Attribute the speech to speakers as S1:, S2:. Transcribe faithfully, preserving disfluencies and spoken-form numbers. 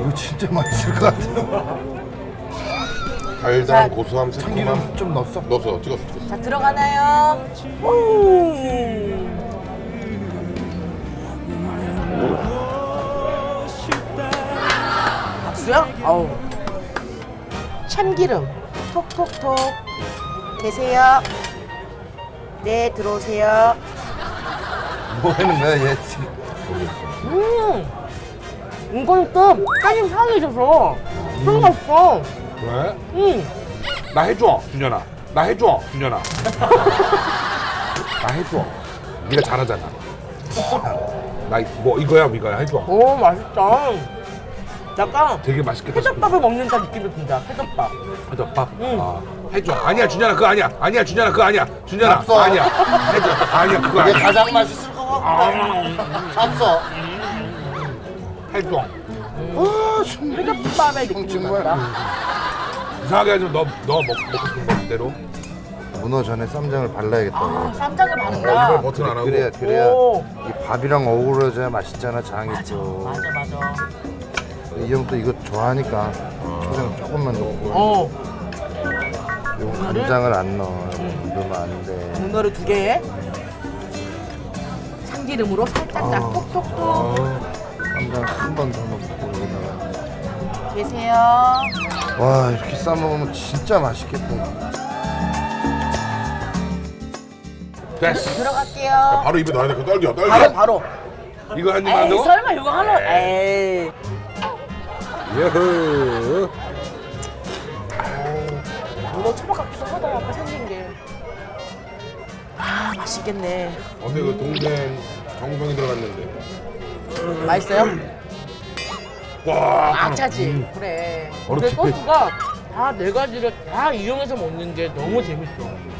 S1: 이거 진짜 맛있을 것 같아.
S2: 달달한
S3: 자,
S2: 고소함, 새콤함
S1: 참기름 좀 넣었어?
S2: 넣었어, 찍었어, 찍었어.
S3: 자, 들어가나요? 음. 박수요? 어우. 참기름 톡톡톡. 계세요? 네, 들어오세요.
S1: 뭐 하는 거야 얘 지금?
S3: 음. 이건 좀 따님 향이 있어서 상관없어.
S2: 그래?
S3: 음.
S2: 나 해줘, 준현아. 나 해줘, 준현아. 나 해줘. 네가 잘하잖아. 나 뭐 이거야, 이거야 해줘.
S3: 오, 맛있다. 약간
S2: 되게 맛있겠다.
S3: 회덮밥을 먹는다 느낌이 든다. 회덮밥.
S2: 해줘, 밥.
S3: 응.
S2: 아, 해줘. 아니야, 준현아, 그거 아니야. 아니야, 준현아, 그거 아니야. 준현아,
S1: 없어.
S2: 아니야. 해줘. 아니야, 그거
S1: 이게
S2: 아니야.
S1: 가장 맛있을 것 같은데. 샀어.
S2: 해줘.
S1: 아 정말.
S3: 회덮밥의 느낌이
S1: 정말.
S3: 난다.
S2: 이상하게 하지 마. 너, 너 먹, 먹고 싶은 거 대로.
S1: 문어 전에 쌈장을 발라야겠다고.
S3: 아, 쌈장을
S2: 어,
S3: 바른다.
S2: 이걸 버튼 안 하고.
S1: 그래야 그래야
S3: 오.
S1: 이 밥이랑 어우러져야 맛있잖아 장이 또.
S3: 맞아, 맞아.
S1: 이 형 또 이거 좋아하니까 초장 조금만 넣고.
S3: 어.
S1: 이거 간장을 안 넣어. 넣으면 안 돼.
S3: 문어를 두 개에 참기름으로 살짝 딱
S1: 아.
S3: 톡톡톡.
S1: 쌈장 한 번 더 넣고 여기다가.
S3: 계세요.
S1: 와 이렇게 싸 먹으면 진짜 맛있겠다.
S2: 됐어.
S3: 들어갈게요.
S2: 바로 입에 넣어야 돼. 그 떨겨, 떨겨.
S3: 바로 바로.
S2: 이거 한 입만
S3: 에이,
S2: 넣어?
S3: 설마 이거 하나? 에이.
S2: 예흐.
S3: 문어 초밥 같기도 하다. 아까 생긴 게. 아, 맛있겠네.
S2: 근데 그 동생 정성이 들어갔는데.
S3: 맛있어요?
S2: 와.
S3: 아차지. 그래.
S2: 어느
S3: 근데
S2: 집에-
S3: 소스가 다 네 가지를 다 이용해서 먹는 게 너무 재밌어.